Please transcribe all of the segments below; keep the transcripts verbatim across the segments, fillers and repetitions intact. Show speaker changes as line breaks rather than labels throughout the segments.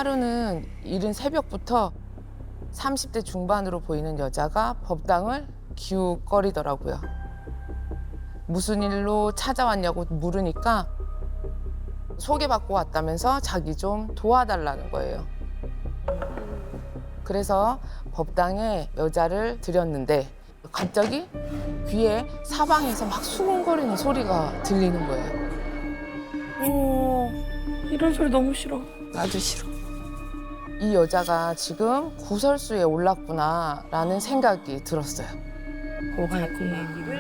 하루는 이른 새벽부터 삼십 대 중반으로 보이는 여자가 법당을 기웃거리더라고요. 무슨 일로 찾아왔냐고 물으니까 소개받고 왔다면서 자기 좀 도와달라는 거예요. 그래서 법당에 여자를 들였는데 갑자기 귀에 사방에서 막 수근거리는 소리가 들리는 거예요.
오, 이런 소리 너무 싫어.
나도 싫어.
이 여자가 지금 구설수에 올랐구나라는 생각이 들었어요.
뭐가 있구나.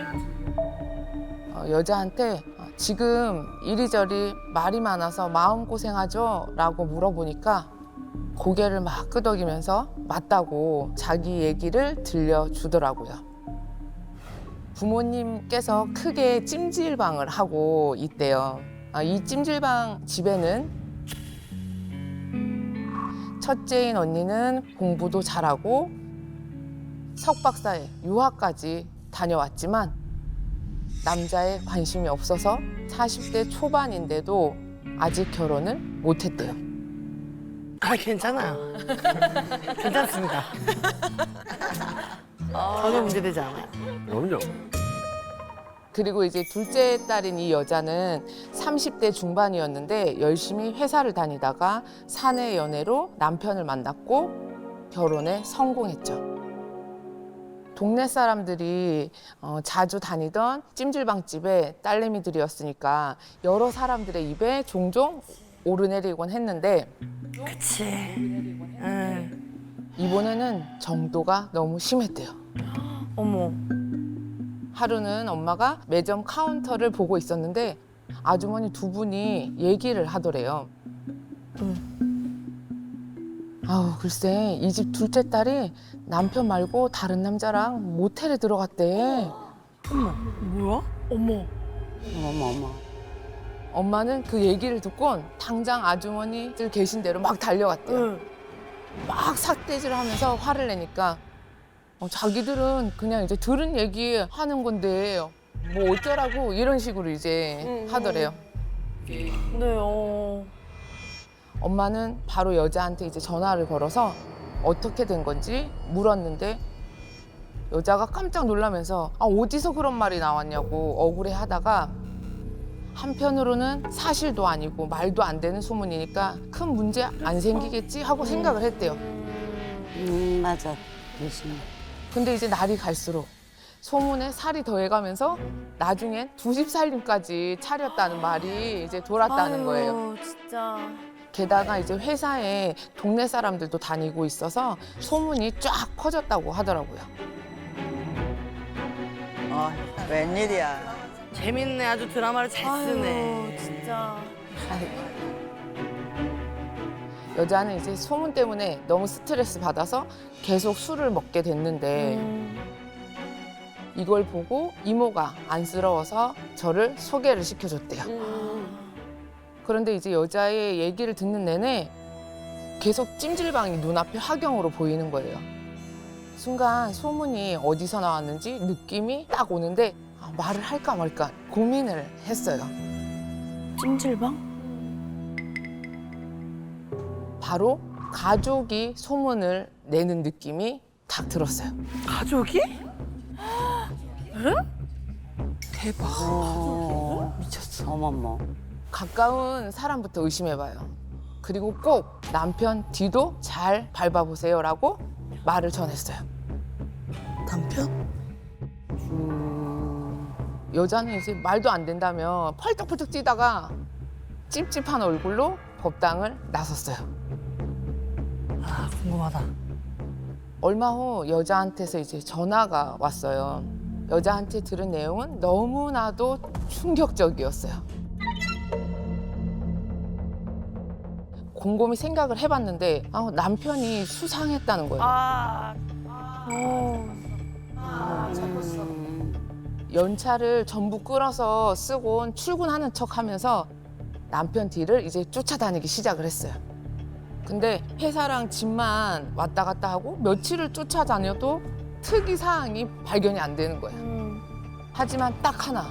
어, 여자한테 지금 이리저리 말이 많아서 마음고생하죠? 라고 물어보니까 고개를 막 끄덕이면서 맞다고 자기 얘기를 들려주더라고요. 부모님께서 크게 찜질방을 하고 있대요. 아, 이 찜질방 집에는 첫째인 언니는 공부도 잘하고 석박사에 유학까지 다녀왔지만 남자에 관심이 없어서 사십 대 초반인데도 아직 결혼을 못했대요.
아, 괜찮아요. 괜찮습니다. 전혀 문제되지 않아요.
그럼요.
그리고 이제 둘째 딸인 이 여자는 삼십 대 중반이었는데 열심히 회사를 다니다가 사내 연애로 남편을 만났고 결혼에 성공했죠. 동네 사람들이 어, 자주 다니던 찜질방집의 딸내미들이었으니까 여러 사람들의 입에 종종 오르내리곤 했는데
그치. 응.
이번에는 정도가 너무 심했대요.
어머.
하루는 엄마가 매점 카운터를 보고 있었는데 아주머니 두 분이 얘기를 하더래요. 아우 글쎄 이 집 둘째 딸이 남편 말고 다른 남자랑 모텔에 들어갔대.
어머, 뭐야? 어머.
어머 어머.
엄마는 그 얘기를 듣곤 당장 아주머니들 계신 대로 막 달려갔대요.
응.
막 삿대질을 하면서 화를 내니까 어, 자기들은 그냥 이제 들은 얘기 하는 건데 뭐 어쩌라고 이런 식으로 이제
응,
하더래요.
네, 어.
엄마는 바로 여자한테 이제 전화를 걸어서 어떻게 된 건지 물었는데 여자가 깜짝 놀라면서 아, 어디서 그런 말이 나왔냐고 억울해 하다가 한편으로는 사실도 아니고 말도 안 되는 소문이니까 큰 문제 안 생기겠지 하고 생각을 했대요.
음 맞아. 열심히.
근데 이제 날이 갈수록 소문에 살이 더해가면서 나중엔 두 집 살림까지 차렸다는 말이 이제 돌았다는 거예요.
아유, 진짜.
게다가 이제 회사에 동네 사람들도 다니고 있어서 소문이 쫙 퍼졌다고 하더라고요.
어 웬일이야.
재밌네. 아주 드라마를 잘 쓰네.
진짜.
여자는 이제 소문 때문에 너무 스트레스 받아서 계속 술을 먹게 됐는데
음.
이걸 보고 이모가 안쓰러워서 저를 소개를 시켜줬대요. 그런데 이제 여자의 얘기를 듣는 내내 계속 찜질방이 눈앞에 화경으로 보이는 거예요. 순간 소문이 어디서 나왔는지 느낌이 딱 오는데 아, 말을 할까 말까 고민을 했어요.
찜질방?
바로 가족이 소문을 내는 느낌이 딱 들었어요.
가족이?
대박. 어, 미쳤어. 어머머.
가까운 사람부터 의심해봐요. 그리고 꼭 남편 뒤도 잘 밟아보세요라고 말을 전했어요.
남편?
음.
여자는 이제 말도 안 된다며 펄떡펄떡 뛰다가 찝찝한 얼굴로 법당을 나섰어요.
아, 궁금하다.
얼마 후 여자한테서 이제 전화가 왔어요. 여자한테 들은 내용은 너무나도 충격적이었어요. 곰곰이 생각을 해봤는데 아, 남편이 수상했다는 거예요.
아.
음.
연차를 전부 끌어서 쓰곤 출근하는 척하면서 남편 뒤를 이제 쫓아다니기 시작을 했어요. 근데 회사랑 집만 왔다 갔다 하고 며칠을 쫓아다녀도 특이 사항이 발견이 안 되는 거예요.
음.
하지만 딱 하나.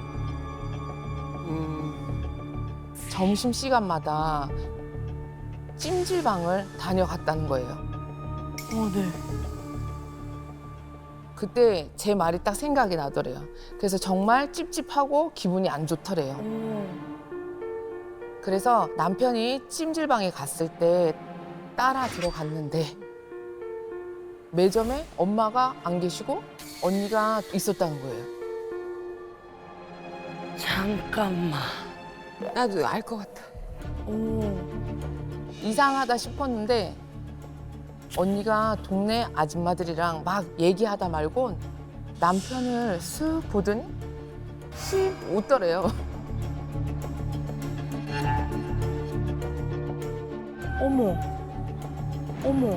음.
점심시간마다 찜질방을 다녀갔다는 거예요.
어, 네.
그때 제 말이 딱 생각이 나더래요. 그래서 정말 찝찝하고 기분이 안 좋더래요. 그래서 남편이 찜질방에 갔을 때 따라 들어갔는데 매점에 엄마가 안 계시고 언니가 있었다는 거예요.
잠깐만.
나도 알 것 같아.
오.
이상하다 싶었는데 언니가 동네 아줌마들이랑 막 얘기하다 말곤 남편을 쓱 보더니 씩 웃더래요.
어머. 어머.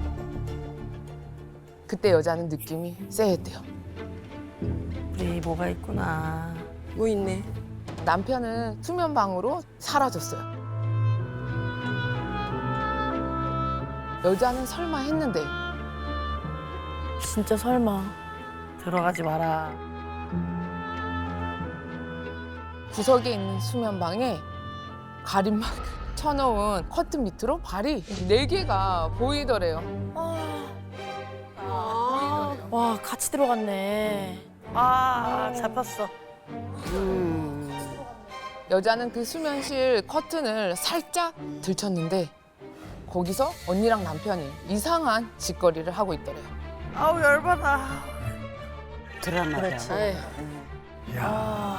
그때 여자는 느낌이 쎄했대요.
우리 뭐가 있구나. 뭐 있네.
남편은 수면방으로 사라졌어요. 여자는 설마 했는데
진짜 설마.
들어가지 마라.
구석에 있는 수면방에 가림막 쳐놓은 커튼 밑으로 발이 네 개가 보이더래요.
와, 같이 들어갔네.
아, 잡혔어.
음.
여자는 그 수면실 커튼을 살짝 들쳤는데 거기서 언니랑 남편이 이상한 짓거리를 하고 있더래요.
아우, 열받아.
드라마다.
그렇지.
아.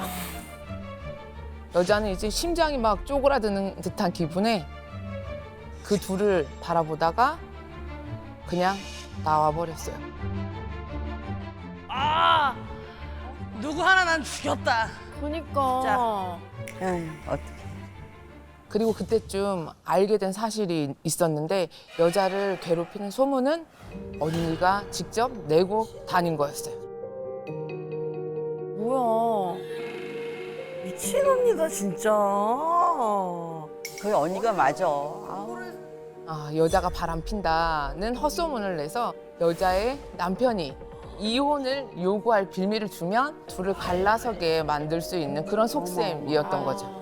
여자는 이제 심장이 막 쪼그라드는 듯한 기분에 그 둘을 바라보다가 그냥 나와버렸어요.
아! 누구 하나 난 죽였다.
그니까.
에이, 어떡해.
그리고 그때쯤 알게 된 사실이 있었는데 여자를 괴롭히는 소문은 언니가 직접 내고 다닌 거였어요.
뭐야.
미친 언니다, 진짜.
그 언니가 맞아. 아우.
아, 여자가 바람 핀다는 헛소문을 내서 여자의 남편이 이혼을 요구할 빌미를 주면 둘을 갈라서게 만들 수 있는 그런 속셈이었던 거죠.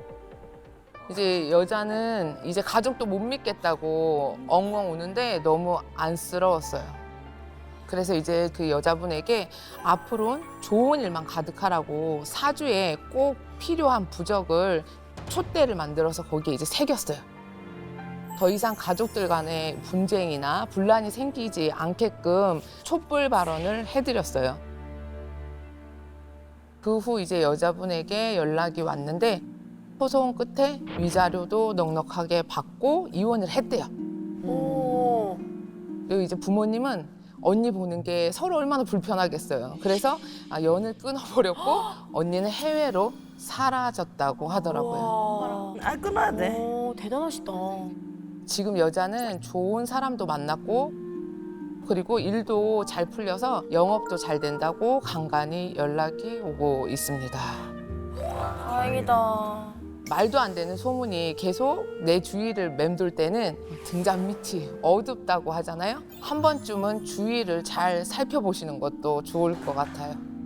이제 여자는 이제 가족도 못 믿겠다고 엉엉 우는데 너무 안쓰러웠어요. 그래서 이제 그 여자분에게 앞으로는 좋은 일만 가득하라고 사주에 꼭 필요한 부적을 촛대를 만들어서 거기에 이제 새겼어요. 더 이상 가족들 간에 분쟁이나 분란이 생기지 않게끔 촛불 발언을 해드렸어요. 그 후 이제 여자분에게 연락이 왔는데 소송 끝에 위자료도 넉넉하게 받고 이혼을 했대요.
오.
그리고 이제 부모님은 언니 보는 게 서로 얼마나 불편하겠어요. 그래서 아, 연을 끊어버렸고 언니는 해외로 사라졌다고 하더라고요.
와.
아, 끊어야 돼.
오, 대단하시다.
지금 여자는 좋은 사람도 만났고 그리고 일도 잘 풀려서 영업도 잘 된다고 간간히 연락이 오고 있습니다.
다행이다.
말도 안 되는 소문이 계속 내 주위를 맴돌 때는 등잔 밑이 어둡다고 하잖아요. 한 번쯤은 주위를 잘 살펴보시는 것도 좋을 것 같아요.